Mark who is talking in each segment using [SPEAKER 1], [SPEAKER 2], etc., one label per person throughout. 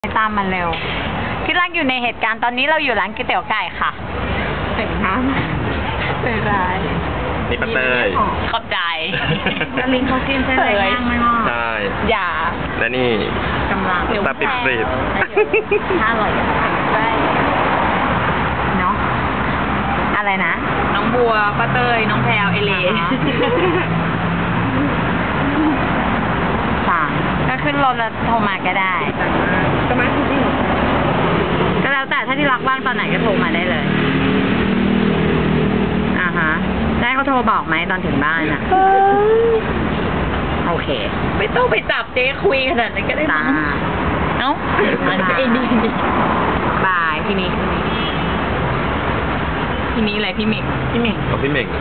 [SPEAKER 1] ตามมันเร็วที่รักอยู่ในเหตุการณ์ตอนนี้เราอยู่ร้านก๋วยเตี๋ยวไก่ค่ะแต่งน้ำเป็นไร
[SPEAKER 2] นี่ปลาเต้ย
[SPEAKER 1] ขอบใจแล้วลิงเขากินเส้นอะไรย่างไม่ว่า
[SPEAKER 2] ใช่
[SPEAKER 1] อย่า
[SPEAKER 2] และนี่
[SPEAKER 1] กำลัง
[SPEAKER 2] ตาปิดปริบ
[SPEAKER 1] ถ้าอร่อยได้เนาะอะไรนะน้องบัวป้าเต้ยน้องแพรวเอเลก็ขึ้นรถแล้วโทรมาก็ได้ก็มาที่นี่ก็แล้วแต่ถ้าที่รักว่างตอนไหนก็โทรมาได้เลยได้เขาโทรบอกไหมตอนถึงบ้านอ่ะโอเคไม่ต้องไปจับเจ๊คุยขนาดนั้นก็ได้มั้งเอ้ามันก็เอ็นดีบายพี่นี้อะไรพี่เมก
[SPEAKER 2] เอาพี่เมก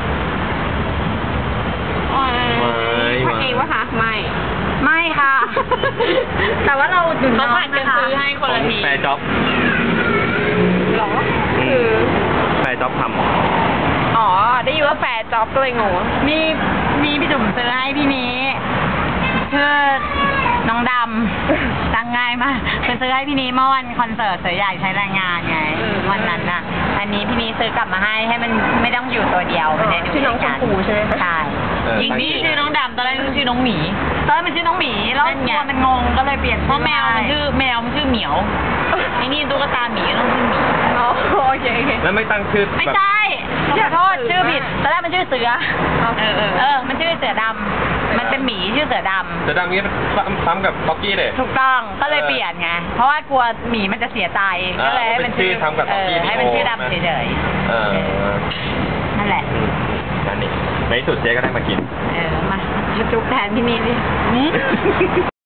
[SPEAKER 1] พักเองวะคะไม่ค่ะแต่ว่าเราถึงน้องนะคะซื้อให้คนละที
[SPEAKER 2] แฟร์จ็อบ
[SPEAKER 1] หรอคือ
[SPEAKER 2] แฟร์จ็อบทำ
[SPEAKER 1] อ๋อได้ยินว่าแฟร์จ็อบก็เลยงงมีพี่จุ๋มซื้อให้พี่นี้ชื่อน้องดำตั้งง่ายมากซื้อให้พี่นี้เมื่อวันคอนเสิร์ตเสือใหญ่ใช้แรงงานไงวันนั้นน่ะอันนี้พี่นี้ซื้อกลับมาให้มันไม่ต้องอยู่ตัวเดียวไม่ได้ดูชื่อน้องชมพูใช่ไหมใช่จริงนี่ชื่อน้องดำตอนแรกชื่อน้องหมีตอนแรกมันชื่อน้องหมีแล้วตัวมันงงก็เลยเปลี่ยนเพราะแมวมันชื่อเหมียวไอ้นี่ตุ๊กตาหมีต้องชื่อหมีโอเค
[SPEAKER 2] แล้วไม่ตั้งชื่อ
[SPEAKER 1] ไม่ใช่ขอโทษชื่อผิดตอนแรกมันชื่อเสือมันชื่อเสือดำมันเป็นหมีชื่อเสือดำ
[SPEAKER 2] นี้มันซ้ำกับบ็อกกี้เลย
[SPEAKER 1] ถูกต้องก็เลยเปลี่ยนไงเพราะว่ากลัวหมีมันจะเสียใจก็เลยให้มันชื่อ
[SPEAKER 2] ซ้ำกับบ็อกกี้
[SPEAKER 1] ให้มันชื่อดำเฉยๆนั่นแหละ
[SPEAKER 2] นั่นนี่ในที่สุดเจ๊ก็ได้มากิน
[SPEAKER 1] มาจุ๊บแทนที่นี่ดิ